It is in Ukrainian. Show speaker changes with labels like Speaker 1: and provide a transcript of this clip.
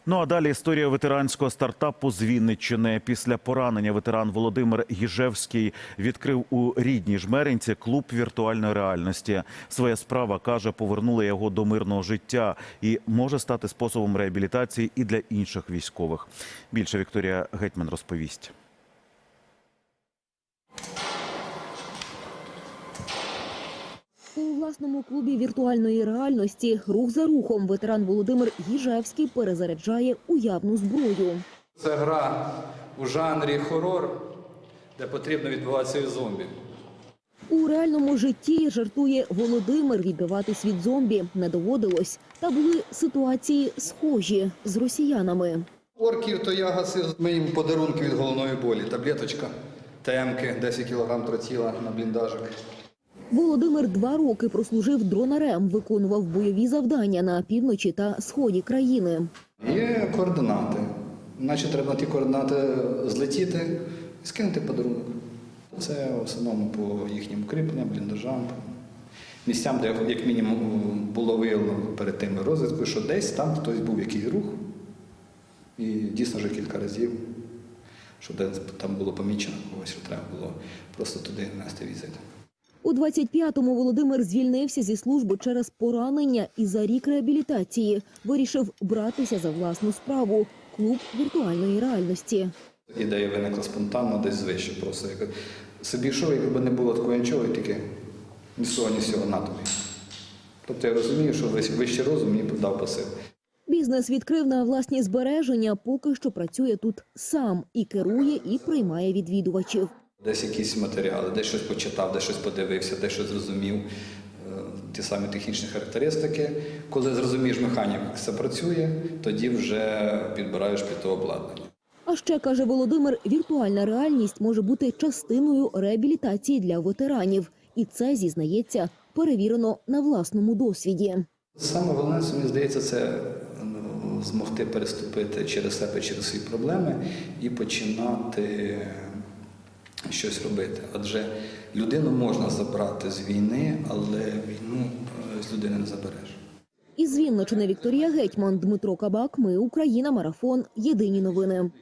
Speaker 1: Ну а далі історія ветеранського стартапу з Вінниччини. Після поранення ветеран Володимир Гіжевський відкрив у рідній Жмеринці клуб віртуальної реальності. Своя справа, каже, повернула його до мирного життя і може стати способом реабілітації і для інших військових. Більше Вікторія Гетьман розповість.
Speaker 2: У власному клубі віртуальної реальності рух за рухом ветеран Володимир Гіжевський перезаряджає уявну зброю.
Speaker 3: Це гра у жанрі хорор, де потрібно відбиватися від зомбі.
Speaker 2: У реальному житті, жартує Володимир, відбиватись від зомбі не доводилось. Та були ситуації схожі з росіянами.
Speaker 3: Орків то я гасив, ми їм подарунки від головної болі. Таблеточка, ТМ-ки, 10 кг тротіла на бліндажик.
Speaker 2: Володимир 2 роки прослужив дронарем, виконував бойові завдання на півночі та сході країни.
Speaker 3: Є координати. Значить, треба на ті координати злетіти і скинути подарунок. Це в основному по їхнім укріпленням, бліндажам, місцям, де як мінімум було виявлено перед тим розвідкою, що десь там хтось був якийсь рух. І дійсно вже кілька разів, що там було помічено когось, що треба було просто туди нести візит.
Speaker 2: У 25-му Володимир звільнився зі служби через поранення і за рік реабілітації вирішив братися за власну справу – клуб віртуальної реальності.
Speaker 3: Ідея виникла спонтанно, десь звище просто. Собі йшов, якби не було такого нічого, і тільки ні з того, ні з цього на тобі. Тобто я розумію, що вищий розум мені дав посил.
Speaker 2: Бізнес відкрив на власні збереження, поки що працює тут сам і керує, і приймає відвідувачів.
Speaker 3: Десь якісь матеріали, десь щось почитав, десь щось подивився, десь щось зрозумів. Ті самі технічні характеристики. Коли зрозумієш механіку, як це працює, тоді вже підбираєш під то обладнання.
Speaker 2: А ще, каже Володимир, віртуальна реальність може бути частиною реабілітації для ветеранів. І це, зізнається, перевірено на власному досвіді.
Speaker 3: Саме головне, мені здається, це змогти переступити через себе, через свої проблеми і починати щось робити. Адже людину можна забрати з війни, але війну з людини не забереш.
Speaker 2: Із Вінниччини Вікторія Гетьман, Дмитро Кабак. Ми Україна. Марафон. Єдині новини.